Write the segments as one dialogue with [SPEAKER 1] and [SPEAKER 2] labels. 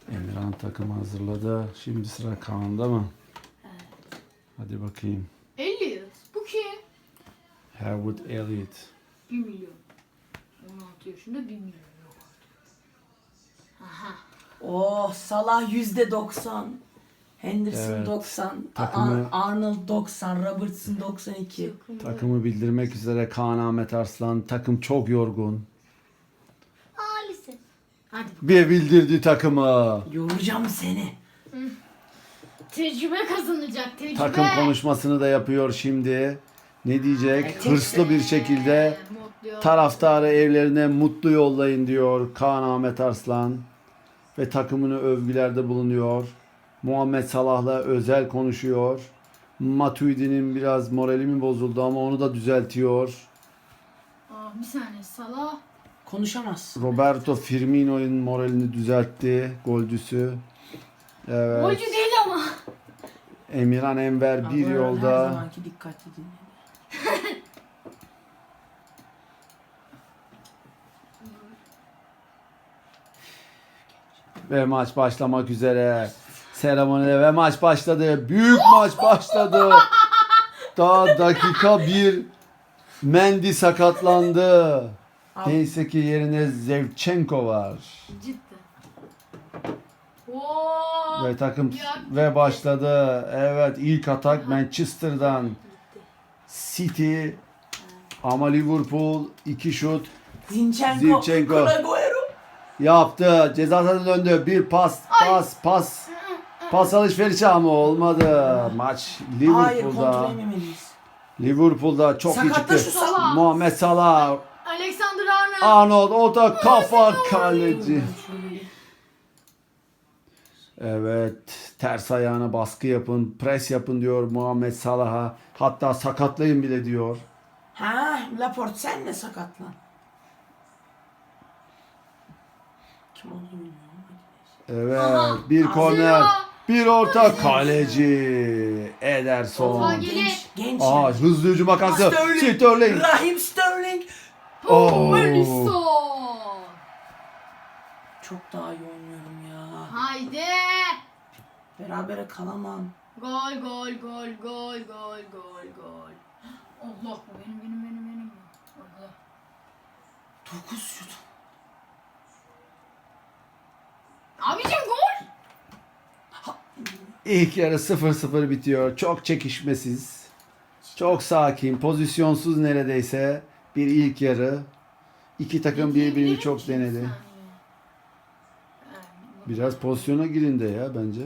[SPEAKER 1] Emirhan takımı hazırladı. Şimdi sıra Kaan'da mı?
[SPEAKER 2] Evet.
[SPEAKER 1] Hadi bakayım.
[SPEAKER 2] Elliot. Bu kim?
[SPEAKER 1] Harwood Elliott.
[SPEAKER 2] 1 milyon. 16 yaşında 1 milyon yok. Aha.
[SPEAKER 3] Oh, Salah %90. Henderson
[SPEAKER 1] Evet.
[SPEAKER 3] 90.
[SPEAKER 1] Takımı-
[SPEAKER 3] Arnold 90. Robertson 92.
[SPEAKER 1] Takımı bildirmek üzere Kaan Ahmet Arslan. Takım çok yorgun.
[SPEAKER 2] Maalesef. Hadi.
[SPEAKER 1] Bir bildirdi takımı.
[SPEAKER 3] Yoracağım seni.
[SPEAKER 2] Tecrübe kazanacak. Tecrübe.
[SPEAKER 1] Takım konuşmasını da yapıyor şimdi. Ne diyecek?
[SPEAKER 3] Evet.
[SPEAKER 1] Hırslı bir şekilde
[SPEAKER 2] Mutlu.
[SPEAKER 1] taraftarı evlerine mutlu yollayın diyor Kaan Ahmet Arslan. Ve takımını övgülerde bulunuyor. Muhammed Salah'la özel konuşuyor. Matuidi'nin biraz morali mi bozuldu ama onu da düzeltiyor.
[SPEAKER 2] Aa, bir saniye. Salah.
[SPEAKER 3] Konuşamaz.
[SPEAKER 1] Roberto Firmino'nun moralini düzeltti. Golcüsü. Evet.
[SPEAKER 2] Golcü değil ama.
[SPEAKER 1] Emirhan Enver bir
[SPEAKER 3] Her
[SPEAKER 1] yolda.
[SPEAKER 3] zamanki dikkatli dinle.
[SPEAKER 1] Ve maç başlamak üzere. Seremonide ve maç başladı. Büyük maç başladı. Daha dakika 1. Mendy sakatlandı. Neyse ki yerine Zevchenko var.
[SPEAKER 2] Cidden. Oo.
[SPEAKER 1] Ve takım
[SPEAKER 2] Ya.
[SPEAKER 1] ve başladı. Evet, ilk atak Manchester'dan. City ama Liverpool 2 şut
[SPEAKER 3] Zinchenko.
[SPEAKER 1] Zinchenko.
[SPEAKER 3] Agüero.
[SPEAKER 1] yaptı. Ceza sahasına döndü. Bir pas alışverişi ama olmadı. Maç
[SPEAKER 3] Hayır, kontrol
[SPEAKER 1] Liverpool'da.
[SPEAKER 3] etmemeliyiz.
[SPEAKER 1] Liverpool'da çok iyi
[SPEAKER 3] Sakatla
[SPEAKER 1] çıktı.
[SPEAKER 3] şu Salah.
[SPEAKER 1] Muhammed Salah,
[SPEAKER 2] Alexander Arnold.
[SPEAKER 1] Arnold, o da kafa kaleci.
[SPEAKER 3] Şöyle.
[SPEAKER 1] Evet, ters ayağına baskı yapın, pres yapın diyor Muhammed Salah'a. Hatta sakatlayın bile diyor.
[SPEAKER 3] Ha, Laporte sen de sakatlan. Kim olduğunu bilmiyorum.
[SPEAKER 1] Evet,
[SPEAKER 2] Aha,
[SPEAKER 1] bir korner,
[SPEAKER 2] Zira.
[SPEAKER 1] bir orta kaleci Ederson.
[SPEAKER 2] Oha, gel.
[SPEAKER 3] Genç.
[SPEAKER 1] Aa,
[SPEAKER 3] yani.
[SPEAKER 1] hızlı hücum akası.
[SPEAKER 3] Sterling.
[SPEAKER 1] Sterling.
[SPEAKER 3] Raheem Sterling.
[SPEAKER 1] Oo.
[SPEAKER 2] Alisson.
[SPEAKER 3] Çok daha iyi oynuyorum ya.
[SPEAKER 2] Haydi.
[SPEAKER 3] Berabere kalamam.
[SPEAKER 2] Gol gol gol gol gol gol gol. Allah bu benim. Allah.
[SPEAKER 3] 9 şut.
[SPEAKER 2] Abicim gol.
[SPEAKER 1] İlk yarı 0-0 bitiyor. Çok çekişmesiz. Çok sakin, pozisyonsuz neredeyse bir ilk yarı. İki takım birbirini çok denedi. Biraz pozisyona girin de ya bence.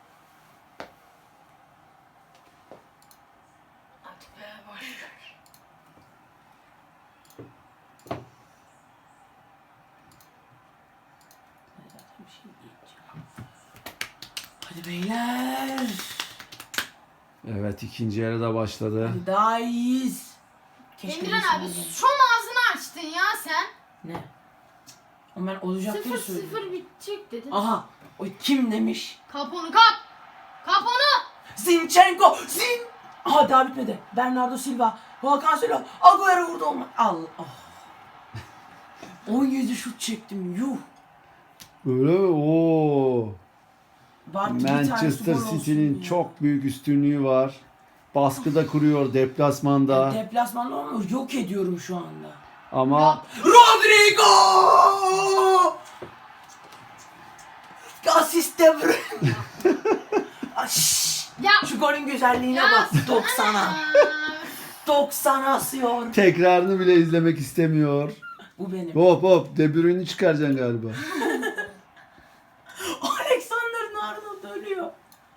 [SPEAKER 2] Hadi be boş ver.
[SPEAKER 3] Hadi beyler.
[SPEAKER 1] Evet, ikinci yarı da başladı.
[SPEAKER 3] Hadi daha iyiyiz.
[SPEAKER 2] Emirhan abi
[SPEAKER 3] bilseydim.
[SPEAKER 2] son ağzını açtın ya sen.
[SPEAKER 3] Ne? Ama ben olacak diye
[SPEAKER 2] 0-0
[SPEAKER 3] söyledim.
[SPEAKER 2] bitecek dedin.
[SPEAKER 3] Aha. O kim demiş?
[SPEAKER 2] Kap onu kap. Kap onu.
[SPEAKER 3] Zinchenko. Aha daha bitmedi. Bernardo Silva. Hakan Silva. Agüero vurdu olma. Allah. Oh. 17 şut çektim. Yuh.
[SPEAKER 1] Böyle o
[SPEAKER 3] Bari bir tanesi
[SPEAKER 1] Manchester
[SPEAKER 3] gol olsun
[SPEAKER 1] City'nin
[SPEAKER 3] ya.
[SPEAKER 1] çok büyük üstünlüğü var. Baskıda kuruyor deplasmanda
[SPEAKER 3] Deplasmanda olmuyor. Yok ediyorum şu anda.
[SPEAKER 1] ama
[SPEAKER 3] Rodrigo! Asist De Bruyne.
[SPEAKER 2] Ya.
[SPEAKER 3] Şu golün güzelliğine
[SPEAKER 2] Ya.
[SPEAKER 3] bak. 90'a. 90'a asıyor.
[SPEAKER 1] tekrarını bile izlemek istemiyor.
[SPEAKER 3] Bu benim.
[SPEAKER 1] Hop De Bruyne'i çıkaracaksın galiba.
[SPEAKER 3] Alexander-Arnold ölüyor.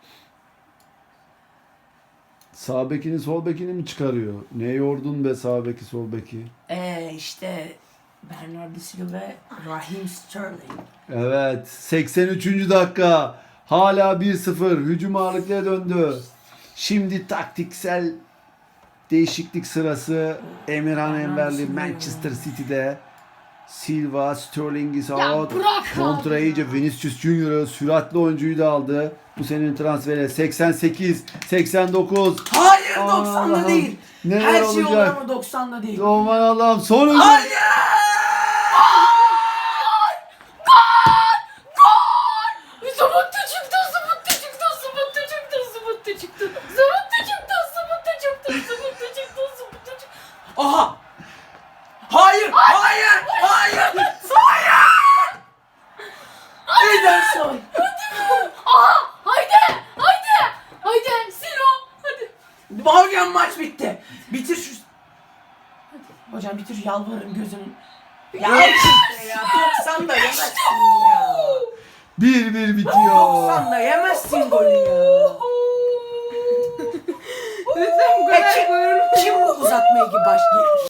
[SPEAKER 1] Sağ bekini sol bekini mi çıkarıyor? Ne yordun be sağ beki sol beki.
[SPEAKER 3] İşte Bernardo Silva ve Raheem Sterling.
[SPEAKER 1] Evet, 83. dakika. Hala 1-0. Hücum ağırlıklıya döndü. Şimdi taktiksel değişiklik sırası Emirhan Enverli Manchester City'de. Silva, Sterling is
[SPEAKER 2] Ya
[SPEAKER 1] out.
[SPEAKER 2] bırak
[SPEAKER 1] Kontra
[SPEAKER 2] abi
[SPEAKER 1] iyice
[SPEAKER 2] ya.
[SPEAKER 1] Vinicius Junior'ı süratli oyuncuyu da aldı. Bu senenin transferi 88, 89.
[SPEAKER 3] Hayır
[SPEAKER 1] Aman
[SPEAKER 3] 90'da
[SPEAKER 1] Allah'ım.
[SPEAKER 3] değil.
[SPEAKER 1] Neler
[SPEAKER 3] Her şey olur
[SPEAKER 1] olacak?
[SPEAKER 3] ama 90'da değil.
[SPEAKER 1] Aman Allah'ım sonuncu.
[SPEAKER 3] Hayır!
[SPEAKER 2] Gol!
[SPEAKER 3] Aha! Hayır! Hayır! Hayır! Hayır! Ederson!
[SPEAKER 2] Aha! Haydi! Haydi! Haydi! Silo! Hadi!
[SPEAKER 3] Hocam maç bitti. Bitir şu... Hocam bitir yalvarırım gözünün. Ya işte ya 90 da yemezsin ya.
[SPEAKER 1] 1-1 bitiyor.
[SPEAKER 3] 90 da yemezsin golü ya.
[SPEAKER 2] Lütfen bu kadar
[SPEAKER 3] Kim bu uzatmaya gibi başlıyor?